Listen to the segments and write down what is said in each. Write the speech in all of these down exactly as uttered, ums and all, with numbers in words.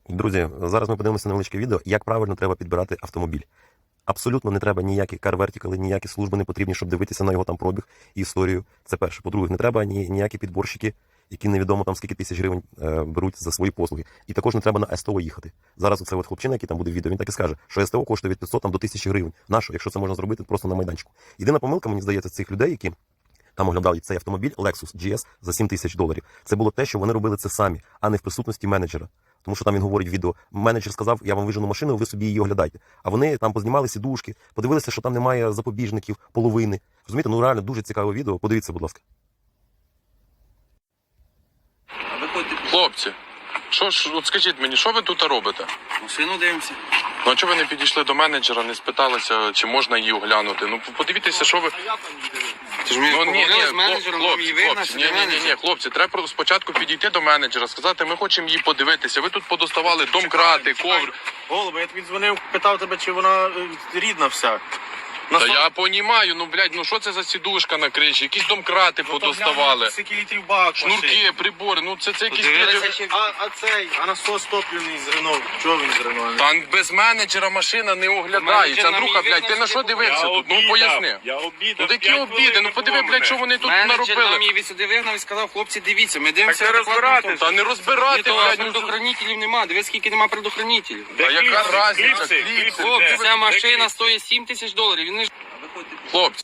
Друзі, зараз ми подивимося на невеличке відео, як правильно треба підбирати автомобіль. Абсолютно не треба ніякі car-vertical, ніякі служби не потрібні, щоб дивитися на його там пробіг і історію. Це перше. По-друге, не треба ні, ніякі підборщики, які невідомо там скільки тисяч гривень е, беруть за свої послуги. І також не треба на СТО їхати. Зараз оце от хлопчина, який там буде в відео, він так і скаже, що СТО коштує від п'ятсот там, до тисячі гривень. Нащо, якщо це можна зробити просто на майданчику? Єдина помилка, мені здається, цих людей, які там оглядали цей автомобіль Lexus джі ес за сім тисяч доларів. Це було те, що вони робили це самі, а не в присутності менеджера. Тому що там він говорить в відео, менеджер сказав, я вам вижену машину, ви собі її оглядайте. А вони там познімали сідушки, подивилися, що там немає запобіжників, половини. Розумієте, ну реально дуже цікаве відео. Подивіться, будь ласка. Хлопці, що ж, от скажіть мені, що ви тут робите? Машину дивимося. Ну а чого ви не підійшли до менеджера, не спиталися, чи можна її оглянути? Ну подивіться, що ви... Ти ж мені Ну, ні, ні, поговорили з менеджером, нам її хлопці, вигнати, хлопці, ні, ні, ні, ні, хлопці, треба просто спочатку підійти до менеджера, сказати, ми хочемо її подивитися. Ви тут подоставали домкрати, ковр. Голубе, я тобі дзвонив, питав тебе, чи вона е, рідна вся. На Та сто- я понімаю, ну, блядь, ну що це за сідушка на криші? Якісь домкрати Ну, то подоставали. глянь, Скільки літрів бак машин. Шнурки, прибори, ну це, це якісь... Подивилися, блядь, чи- А, а цей, а насос топливний з Рено. Чого він з Рено? Та без менеджера машина не оглядається. Менеджер нам Андрюха, її блядь, ти на що вигнав, дивився тут? Ну поясни. Я обідав. Ну такі п'ять обіди, хвилин ну не подиви, було блядь, що мене. вони тут Менеджер наробили. нам її від сюди вигнав і сказав, хлопці, дивіться, ми дивимося. Так це адекватно розбиратись. авто. Та не розбирати, Ні, то блядь, ну, предохранителів нема, дивись, скільки нема предохранителів. Де Та яка кліпси? разниця? Кліпси? Кліпси, Кліпси, Хлопці, де? ця Де машина кліпси? стоїть сім тисяч доларів, він не ж... Хлопці.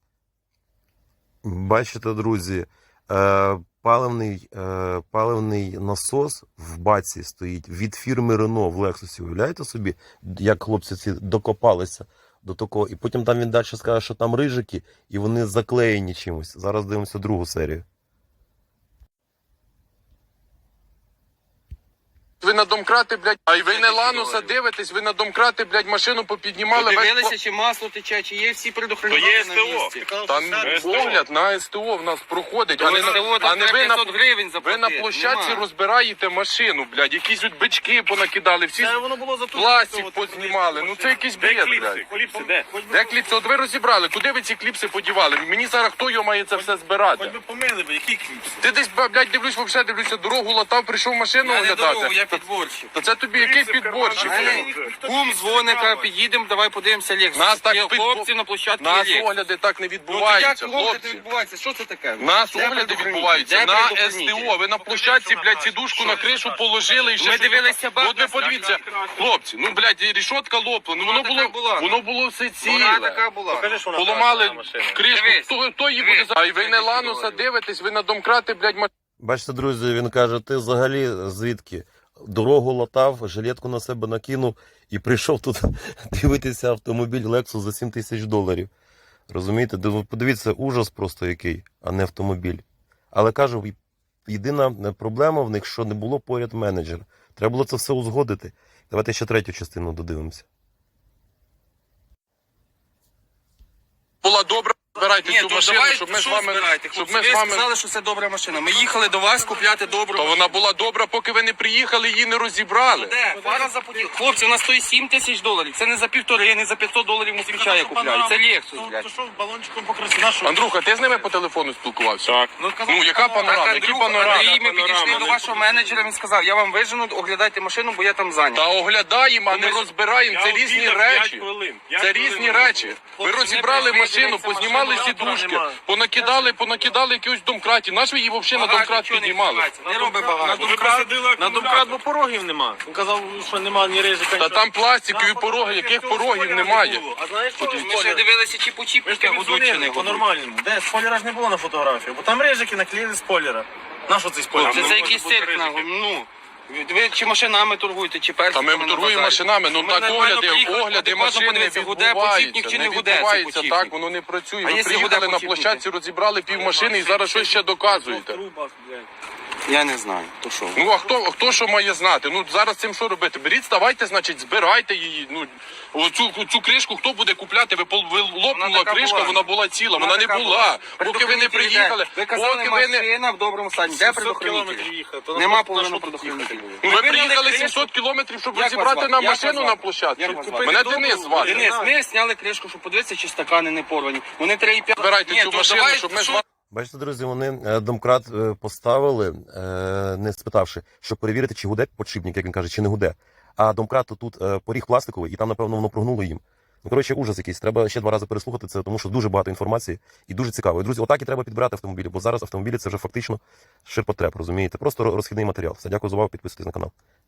Бачите, друзі, е, паливний, е, паливний насос в баці стоїть від фірми Renault в Лексусі. Уявляєте собі, як хлопці ці докопалися до такого. І потім там він далі скаже, що там рижики, і вони заклеєні чимось. Зараз дивимося другу серію. Ви на домкрати, блядь, а й ви не Лануса дивитесь, ви на домкрати, блядь, машину попіднімали. Подивилися, весь... чи масло тече, чи є всі То предохранителі є на СТО. місці. Там СТО. погляд на СТО в нас проходить, а не, СТО, на, а там не ви, треба на, п'ятсот гривень ви заплатити. на площадці Нема. розбираєте машину, блядь, якісь от бички понакидали, всі Це воно було за ту- пластик цього, познімали, ну це якийсь Де бред, кліпси? блядь. Кліпси, де? Де кліпси? От ви розібрали, куди ви ці кліпси подівали? Мені зараз хто його має це все збирати? Хоч би помили, бо які кліпси? Ти десь, блядь, дивлюсь, взагалі дивлюся, дорогу латав, прийшов машину Я не дорогу, оглядати. я підборщик. Та це тобі який Кліпси в підборщик? кармані. блядь? Кум дзвоника, під'їдемо, давай подивимося Лексус. Нас так Є підбо- хлопці на площадці Нас є Lexus. огляди так не Ну, то як відбуваються, огляди хлопці. відбуваються? Що це таке? Нас Де огляди предохранитель? відбуваються Де на предохранитель? СТО. Ви на площадці, блядь, сідушку на кришу положили і ще Ми щось дивилися таке. бак, От ви нас подивіться, хлопці, ну, блядь, рішотка лопла, ну воно така було, була. воно було все Вона ціле. така була. Покажи, що вона Поламали красна машина. кришку, Дивись. хто, хто її Дивись. буде за... А й ви не Лануса дивитесь, ви на домкрати, блядь, машину. Бачите, друзі, він каже, ти взагалі звідки? Дорогу латав, жилетку на себе накинув і прийшов тут дивитися автомобіль Lexus за сім тисяч доларів. Розумієте? Див- Подивіться, ужас просто який, а не автомобіль. Але кажу, і- єдина проблема в них, що не було поряд менеджера. Треба було це все узгодити. Давайте ще третю частину додивимося. Була добра, збирайте Ні, цю то машину, давай, щоб ми з що вами... збирайте, Щоб хлопці? ми з Ви вами... сказали, що це добра машина. Ми їхали до вас купляти добру То машину. вона була добра, поки ви не приїхали, її не розібрали. Де? Фара запотіла. Хлопці, вона стоїть сім тисяч доларів. Це не за півтори, не за п'ятсот доларів москвича я купляю. Це Lexus, блядь. То що, балончиком покрасив? На що? Андрюха, ти з ними по телефону спілкувався? Так. Ну, яка панорама? Так, Які Андрюха, панорами? Андрій, ми підійшли до вашого менеджера, він сказав, я вам вижену, оглядайте машину, бо я там зайнятий. Та оглядаємо, а не Ми ж- розбираємо. Це різні речі. Це різні речі. Ви Хлопці, розібрали ми машину, прийшли, познімали машину сідушки, нема. понакидали, понакидали якихось домкратів. Наш ви її взагалі на домкрат піднімали? Не роби На багато. домкрат, на домкрат, бо порогів нема. Він казав, що нема ні рижика. Та там пластикові пороги, яких порогів немає. А знаєш, що? Ми ще дивилися, чи по Ми ж чіпника тобі годуть, чи не дзвонили годуть. по-нормальному. Де? Спойлера ж не було на фотографії, бо там рижики наклеїли спойлера. На що цей спойлер? Це, це якийсь цирк, нахуй, ну. Ви чи машинами торгуєте, чи Та персиками ми на торгуємо базарі? машинами, ну Ми так нормально огляди, приїхали, огляди адекватно машин не подивитися, гуде відбуваються, почіпник чи не не гуде цей відбувається почіпник. так, воно не працює. А Ви якщо приїхали гуде на почіпник? площадці, розібрали пів машини і зараз щось ще доказуєте. Я не знаю, то що? Ну а хто, хто що має знати? Ну зараз цим що робити? Беріть, ставайте, значить, збирайте її. Ну оцю цю кришку хто буде купляти? Ви пол ви лопнула така кришка, була. вона була ціла, вона, не така була. Поки ви не Предохранителі приїхали, де? Ви казали, поки ви не. машина в доброму стані. Де сімсот предохранителі? кілометрів їхати, то на Нема що- на половини що тут предохранителів. Ну, ви виняли приїхали кришку. сімсот кілометрів, щоб Як вас розібрати звати? нам Як машину вас на звати? площадці. Як вас звати? Мене Денис звати. Денис, ми зняли кришку, щоб подивитися, чи стакани не порвані. Вони три і п'ять. Збирайте Ні, цю то машину, давай, щоб ми з що- вами. Бачите, друзі, вони е, домкрат е, поставили, е, не спитавши, щоб перевірити, чи гуде подшипник, як він каже, чи не гуде. А домкрат то тут е, поріг пластиковий, і там, напевно, воно прогнуло їм. Ну, коротше, ужас якийсь. Треба ще два рази переслухати це, тому що дуже багато інформації і дуже цікаво. І, друзі, отак і треба підбирати автомобілі, бо зараз автомобілі це вже фактично ширпотреб, розумієте? Просто розхідний матеріал. Все, дякую за увагу, підписуйтесь на канал.